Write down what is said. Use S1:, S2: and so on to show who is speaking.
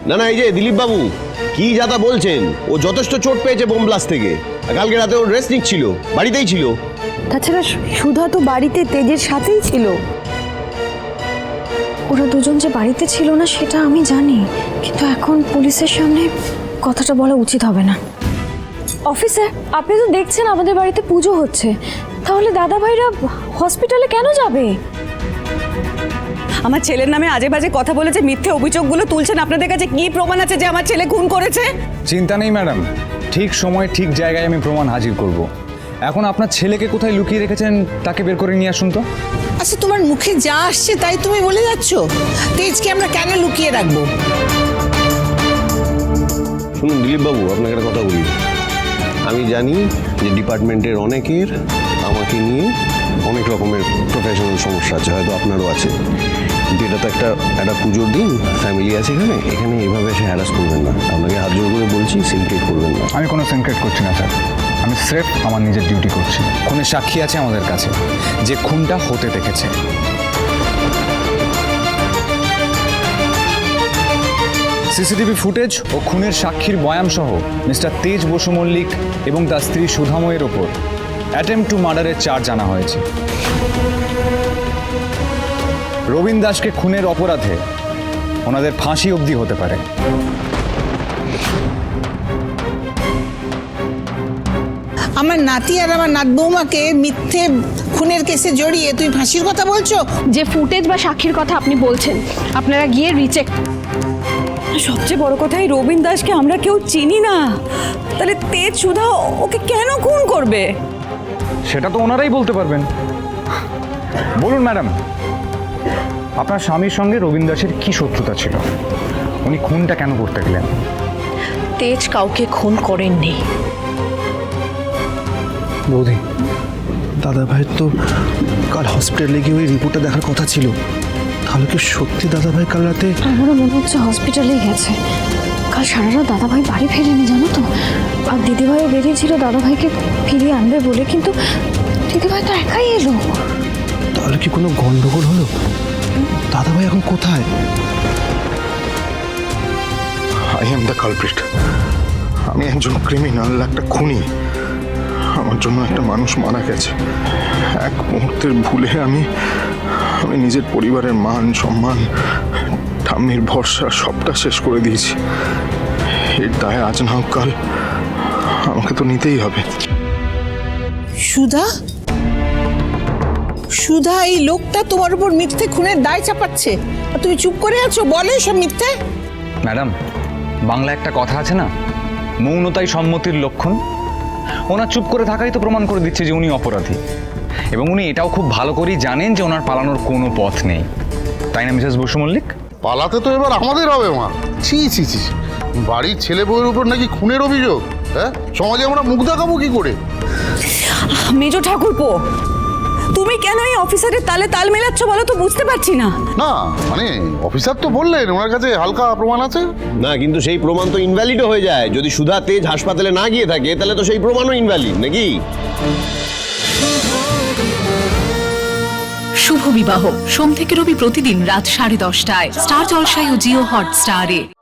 S1: না না, এই যে দিলীপ বাবু কি যাতা বলছেন, ও যথেষ্ট চোট পেয়েছে বোম ব্লাস্ট থেকে। কালকে রাতে ওর রেস্ট নিচ্ছিল, বাড়িতেই ছিল।
S2: তাছাড়া সুধা তো বাড়িতে তেজের সাথেই ছিল। ওরা দুজন যে বাড়িতে ছিল না সেটা আমি জানি, কিন্তু এখন পুলিশের সামনে কথাটা বলা উচিত হবে না। অফিসার, আপনি তো দেখছেন আমাদের বাড়িতে পুজো হচ্ছে, তাহলে দাদা ভাইরা হসপিটালে কেন যাবে?
S3: আমার ছেলের নামে আজে বাজে কথা বলেছে, মিথ্যে অভিযোগগুলো তুলছেন। আপনাদের কাছে কি প্রমাণ আছে যে আমার ছেলে খুন করেছে?
S4: চিন্তা নেই ম্যাডাম, ঠিক সময়ে ঠিক জায়গায় আমি প্রমাণ হাজির করব। এখন আপনার ছেলেকে কোথায় লুকিয়ে রেখেছেন তাকে বের করে নিয়ে আসুন তো।
S5: আচ্ছা, তোমার মুখে যা আসছে তাই তুমি বলে যাচ্ছ? তেজকে আমরা কেন লুকিয়ে রাখবো?
S1: শুনুন দিলীপ বাবু, আপনাকে একটা কথা বলি। আমি জানি যে ডিপার্টমেন্টের অনেকের আমাকে নিয়ে অনেক রকমের প্রফেশনাল সমস্যা আছে, হয়তো আপনারও আছে, কিন্তু এটা তো একটা পুজোর দিন, ফ্যামিলি আছে এখানে, এভাবে এসে হ্যারাস করবেন না। আপনাকে হাত জোর করে বলছি, সিনক্রেট করবেন না।
S4: আমি কোনো সিনক্রেট করছি না স্যার, আমি স্রেফ আমার নিজের ডিউটি করছি। খুনের সাক্ষী আছে আমাদের কাছে যে খুনটা হতে দেখেছে। সিসিটিভি ফুটেজ ও খুনের সাক্ষীর বয়ান সহ মিস্টার তেজ বসু মল্লিক এবং তার স্ত্রী সুধাময়ের ওপর অ্যাটেম্পট টু মার্ডারের চার্জ আনা হয়েছে। রবীন দাসকে খুনের অপরাধে ওনাদের ফাঁসি অবধি হতে পারে।
S5: আমার নাতি আর আমার নাত বৌমাকে মিথ্যে খুনের কেসে জড়িয়ে তুই ফাঁসির কথা বলছো?
S2: যে ফুটেজ বা সাক্ষীর কথা আপনি বলছেন, আপনারা গিয়ে রিচেক।
S3: সবচেয়ে বড় কথা, এই রবীন দাসকে আমরা কেউ চিনি না, তাহলে তেজ সুধা ওকে কেন খুন করবে?
S4: সেটা তো ওনারাই বলতে পারবেন। বলুন ম্যাডাম, আপনার স্বামীর সঙ্গে রবীন দাসের কি শত্রুতা ছিল? উনি খুনটা কেন করতে গেলেন?
S6: তেজ কাউকে খুন করেননি।
S7: বৌদি, দাদা ভাইয়ের তো কাল হসপিটালে গিয়ে ওই রিপোর্টটা দেখার কথা ছিল। তাহলে কি সত্যি দাদা ভাই কাল রাতে?
S2: আমারও মনে হচ্ছে হসপিটালেই গেছে। কাল সারা রাত দাদা ভাই বাড়ি ফেরেনি, জানো তো। আর দিদিভাইও বেরিয়েছিল দাদা ভাইকে ফিরিয়ে আনবে বলে, কিন্তু দিদিভাই তো একাই এলো।
S7: তাহলে কি কোনো গন্ডগোল হলো? দাদা ভাই এখন কোথায়?
S8: I am the culprit. আমি একজন ক্রিমিনাল, একটা খুনি। আমার জন্য একটা মানুষ মারা গেছে। এক মুহূর্তের ভুলে আমি নিজের পরিবারের মান সম্মান, ঠাম্মির ভরসা সবটা শেষ করে দিয়েছি। এর দায় আজ না হোক কাল আমাকে তো নিতেই হবে।
S5: সুধা? সুধা, এই লোকটা তোমার উপর মিথ্যে খুনের দায় চাপাচ্ছে আর তুমি চুপ করে আছো? বলো সব মিথ্যে।
S4: ম্যাডাম, বাংলা একটা কথা আছে না, মৌনতাই সম্মতির লক্ষণ। ওনার চুপ করে থাকাই তো প্রমাণ করে দিচ্ছে যে উনি অপরাধী, এবং উনি এটাও খুব ভালো করেই জানেন যে ওনার পালানোর কোনো পথ নেই। তাই না মিসেস বসু মল্লিক?
S8: পালাতে তো এবার আমাদের হবে মা। ছি ছি ছি, বাড়ির ছেলে বউয়ের উপর নাকি খুনের অভিযোগ? হ্যাঁ, সমাজে আমরা মুখ দেখাবো কি করে?
S3: মেজ ঠাকুরপো, তুমি কেন এই অফিসারের তালে তাল মেলাচ্ছ বলো তো? বুঝতে পারছি না।
S8: না মানে অফিসার তো বললেন ওনার কাছে হালকা প্রমাণ আছে।
S1: না, কিন্তু সেই প্রমাণ তো ইনভ্যালিডও হয়ে যায়। যদি সুধা তেজ হাসপাতালে না গিয়ে থাকে তাহলে তো সেই প্রমাণও ইনভ্যালিড, নাকি?
S6: শুভ বিবাহ সোম থেকে রবি প্রতিদিন রাত 10:30টায় স্টার জলসায় ও জিও হটস্টারে।